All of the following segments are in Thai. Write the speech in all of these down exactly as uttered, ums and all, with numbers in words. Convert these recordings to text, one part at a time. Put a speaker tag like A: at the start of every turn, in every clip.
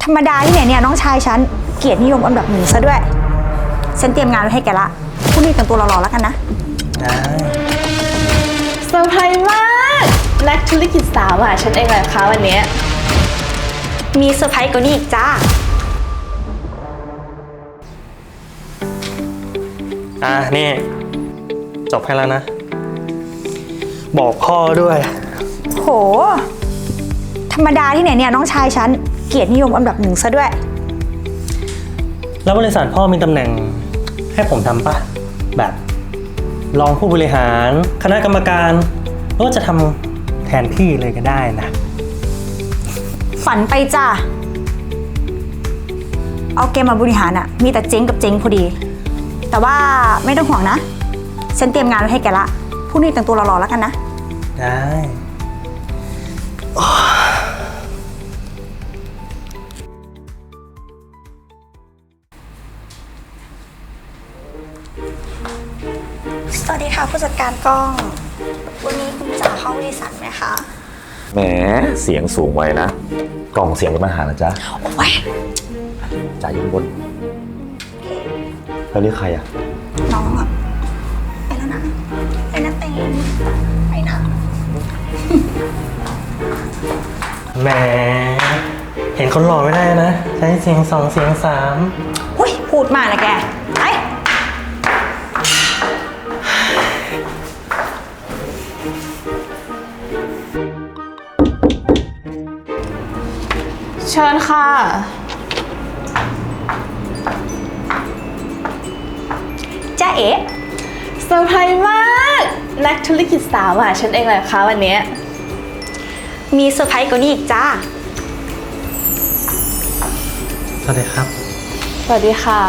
A: รรมดาที่ไหนเนี่ยน้องชายฉันเกียรตินิยมอันดับหนึ่งซะด้วยฉันเตรียมงานไว้ให้แกละพรุ่งนี้แต่งตัวหล่อๆแล้วกันนะ
B: ได้
C: เซอร์ไพรส์มากนักธุรกิจสาวอ่ะฉันเองแหละคะวันนี้
A: มีเซอร์ไพรส์กว่านี้อีกจ้า
B: อ่ะนี่จบให้แล้วนะบอกพ่อด้วย
A: โหธรรมดาที่ไหนเนี่ยน้องชายฉันเกียรตินิยมอันดับหนึ่งซะด้วย
B: แล้วบริษัทพ่อมีตำแหน่งให้ผมทำปะแบบรองผู้บริหารคณะกรรมการหรือว่าจะทำแทนพี่เลยก็ได้นะ
A: ฝันไปจ้าเอาแกมาบริหารอะมีแต่เจ๊งกับเจ๊งพอดีแต่ว่าไม่ต้องห่วงนะฉันเตรียมงานไว้ให้แกละพรุ่งนี้แต่งตัวหล่อๆแล้วกันนะ
B: ได้
A: สวัสดีค่ะผู้จัดการกล้องวันนี้คุณจ๋าเข้าบริษัทไหมคะ
D: แหมเสียงสูงไว้นะกล่องเสียงเป็นปัญหานะจ๊ะ
A: โอ้ย
D: จ่ายอยู่บนแล้วนี่ใครอะ
A: น้องอะไปแล้วนะไปนะเต็งไปนะ
B: แหมเห็นคนหล่อไม่ได้นะใช้เสียงสองเสียงสาม
A: หุ้ยพูดมากนะแกไอ
C: เชิญค่ะ
A: จ้าเอ๋
C: เซอร์ไพรส์มากนักธุรกิจสาวอ่ะฉันเองแหละคะวันนี้
A: มีเซอร์ไพรส์กว่านี้อีกจ้า
B: สวัสดีครับ
C: สวัสดีค่ะ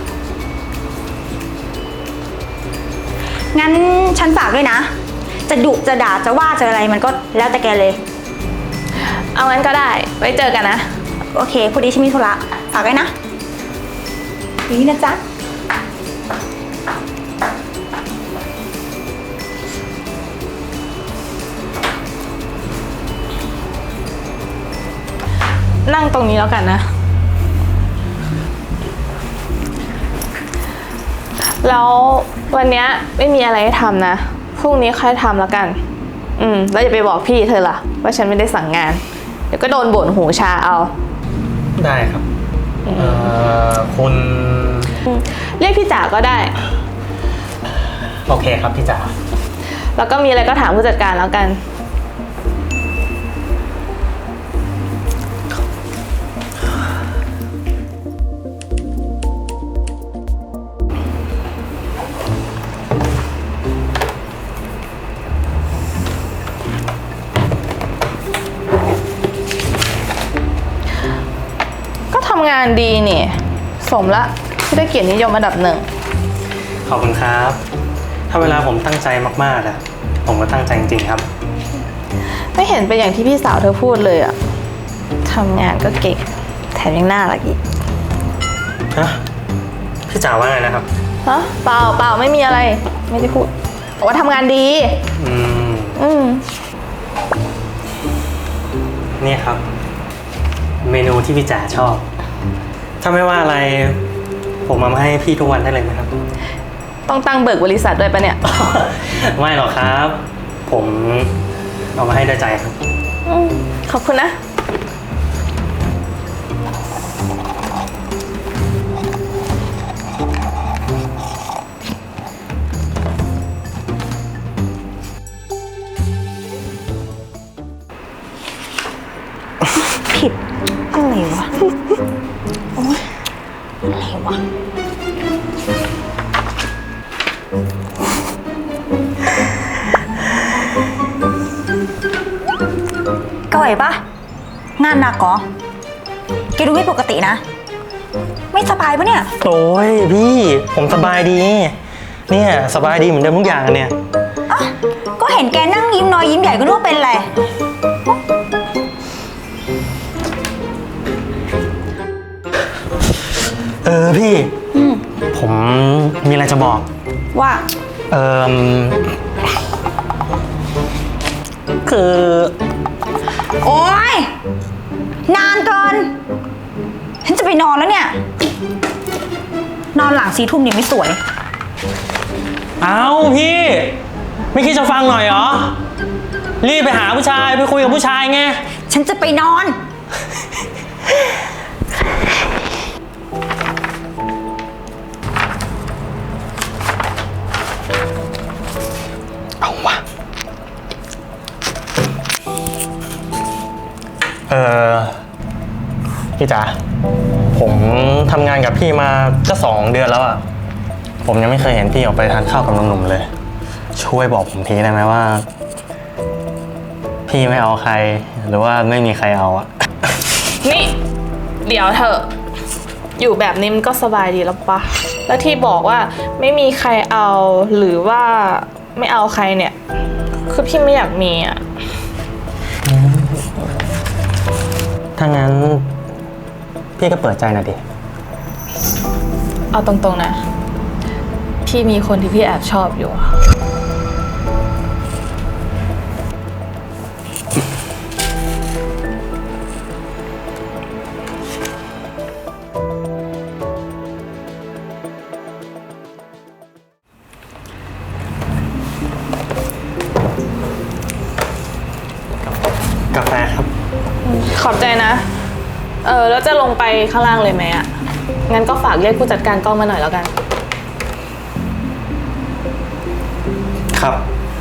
A: งั้นฉันฝากด้วยนะจะดุจะด่าจะว่าจะอะไรมันก็แล้วแต่แกเลย
C: เอางั้นก็ได้ไว้เจอกันนะ
A: โอเคพอดีฉันมีธุระฝากไว้นะนี่นะจ๊ะ
C: นั่งตรงนี้แล้วกันนะแล้ววันนี้ไม่มีอะไรให้ทำนะพรุ่งนี้ค่อยทำแล้วกันอืมแล้วอย่าไปบอกพี่เธอล่ะว่าฉันไม่ได้สั่งงานเดี๋ยวก็โดนบ่นหูชาเอา
B: ได้ครับเอ่อคุณ
C: เรียกพี่จ๋าก็ได้
B: โอเคครับพี่จ๋า
C: แล้วก็มีอะไรก็ถามผู้จัดการแล้วกันทำงานดีนี่สมละที่ได้เกียรตินิยมอันดับหนึ่ง
B: ขอบคุณครับถ้าเวลาผมตั้งใจมากๆอะผมก็ตั้งใจจริงๆครับ
C: ไม่เห็นเป็นอย่างที่พี่สาวเธอพูดเลยอะทำงานก็เก่งแถมยังน่ารักอีก
B: ฮะพี่จ๋าว่าไงนะครับ
C: ฮะเปล่าเปล่าไม่มีอะไรไม่ได้พูดบอกว่าทำงานดี
B: อืม
C: อืม
B: นี่ครับเมนูที่พี่จ๋าชอบถ้าไม่ว่าอะไรผมมาให้พี่ทุกวันได้เลยไหมครับ
C: ต้องตั้งเบิกบริษัทด้วยปะเนี่ย
B: ไม่หรอกครับผมเอามาให้ด้วยใจครับ
C: ขอบคุณนะ
A: ผิดอะไรวะโอ๊ยอะไรวะก่อยปะงานหนักเหรอแกดูไม่ปกตินะไม่สบายปะเนี่ย
B: โอ้ยพี่ผมสบายดีเนี่ยสบายดีเหมือนเดิมทุกอย่างเนี่ย
A: อ่ะก็เห็นแกนั่งยิ้มน้อยยิ้มใหญ่ก็รู้ว่าเป็นอะไร
B: เออพี่ผมมีอะไรจะบอก
A: ว่า
B: เออคือ
A: โอ๊ยนานเกินไปนอนแล้วเนี่ย นอนหลังสี่ทุ่มเนี่ยไม่สวย
B: เอาพี่ ไม่คิดจะฟังหน่อยเหรอ รีบไปหาผู้ชายไปคุยกับผู้ชายไง
A: ฉันจะไปนอน
B: เอาวะเออพี่จ๋าผมทำงานกับพี่มาก็สองเดือนแล้วอะผมยังไม่เคยเห็นพี่ออกไปทานข้าวกับหนุ่มๆเลย ช่วยบอกผมทีได้ไหมว่า พี่ไม่เอาใครหรือว่าไม่มีใครเอาอะ
C: นี่ เดี๋ยวเถอะ อยู่แบบนี้มันก็สบายดีแล้วปะแล้วที่บอกว่าไม่มีใครเอาหรือว่าไม่เอาใครเนี่ย คือพี่ไม่อยากมีอ่ะ
B: ถ้างั้นพี่ก็เปิดใจหน่อยดิ
C: เอาตรงๆนะ พี่มีคนที่พี่แอบชอบอยู่
B: กาแฟครับ
C: ขอบใจนะ เออแล้วจะลงไปข้างล่างเลยไหมอ่ะ งั้นก็ฝากเรียกผู้จัดการกล้องมาหน่อยแล้วกัน
B: ครับ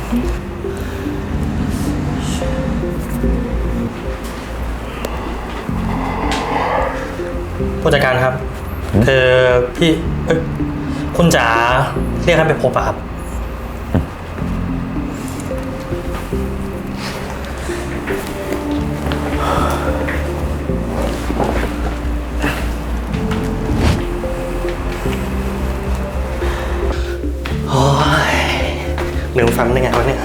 B: ผู้จัดการครับ คือพี่เอ้ยคุณจ๋าเรียกให้ไปพบอะครับ โอ้ยลืมฟังได้ไงวะเนี่ย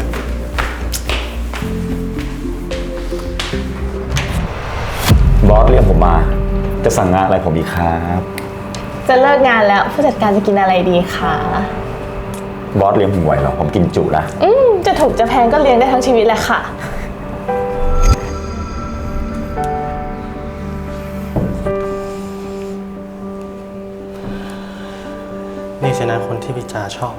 D: บอสเรียกผมมา จะสั่งงานอะไรผมอีกครับ
C: จะเลิกงานแล้วผู้จัดการจะกินอะไรดีคะ
D: บอสเลี้ยงผมไหวเหรอผมกินจุนะ
C: อืมจะถูกจะแพงก็เลี้ยงได้ทั้งชีวิตแหละค่ะ
B: นี่สินะคนที่พี่จ๋าชอบ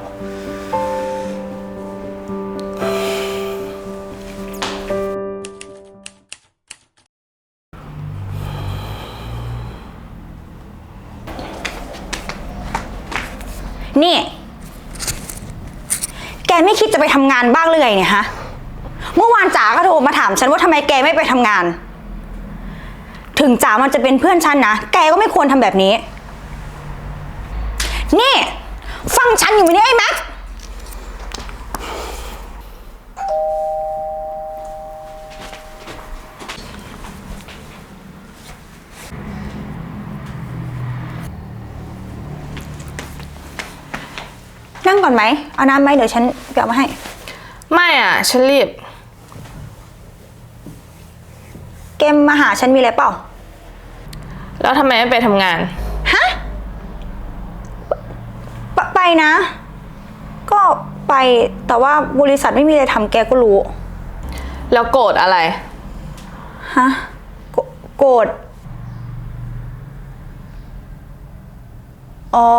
A: นี่ แกไม่คิดจะไปทำงานบ้างเลยเนี่ยฮะ เมื่อวานจ๋าก็โทรมาถามฉันว่าทำไมแกไม่ไปทำงาน ถึงจ๋ามันจะเป็นเพื่อนฉันนะ แกก็ไม่ควรทำแบบนี้ นี่ ฟังฉันอยู่ไหมเนี่ยไอ้แม็ก นั่งก่อนไหม เอาน้ำไหมเดี๋ยวฉันไปเอามาให้
C: ไม่อ่ะ ฉันรีบ
A: เกมมาหาฉันมีอะไรเปล่า
C: แล้วทำไมไม่ไปทำงาน
A: ฮะไปไปนะ ก็ไปแต่ว่าบริษัทไม่มีอะไรทำแกก็รู้
C: แล้วโกรธอะไร
A: ฮะโกโกรธอ๋อ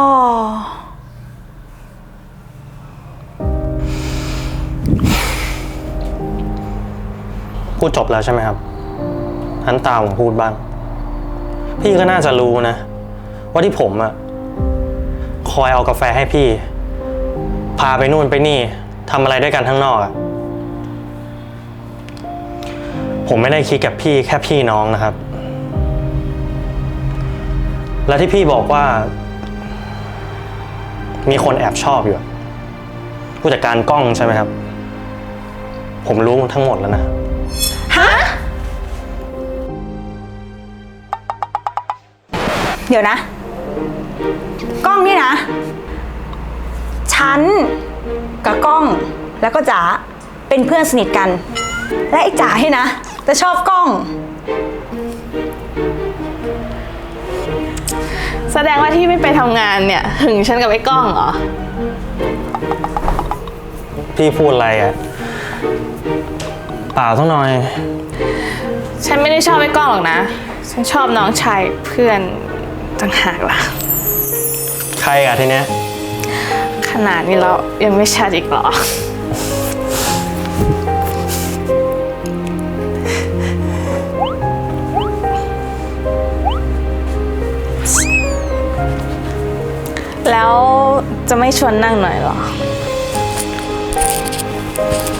B: พูดจบแล้วใช่ไหมครับหันตาผมพูดบ้าง พี่ก็น่าจะรู้นะ ว่าที่ผมอะคอยเอากาแฟให้พี่ พาไปนู่นไปนี่ทำอะไรด้วยกันข้างนอกอะผมไม่ได้คิดกับพี่แค่พี่น้องนะครับ และที่พี่บอกว่า มีคนแอบชอบอยู่ ผู้จัดการกล้องใช่ไหมครับ ผมรู้ทั้งหมดแล้วนะ
A: ฮะ เดี๋ยวนะ กล้องนี่นะ ฉันกับกล้องแล้วก็จ๋าเป็นเพื่อนสนิทกัน และไอ้จ๋าให้นะจะชอบกล้อง
C: แสดงว่าที่ไม่ไปทำงานเนี่ย หึงฉันกับไอ้กล้องเหรอ
B: พี่พูดอะไรอะเปล่าสักหน่อย
C: ฉันไม่ได้ชอบไอ้กล้องหรอกนะฉันชอบน้องชายเพื่อนต่างหากล่ะ
B: ใครอะทีเนี้ย
C: ขนาดนี้แล้วยังไม่ชัดอีกเหรอ แล้วจะไม่ชวนนั่งหน่อยเหรอ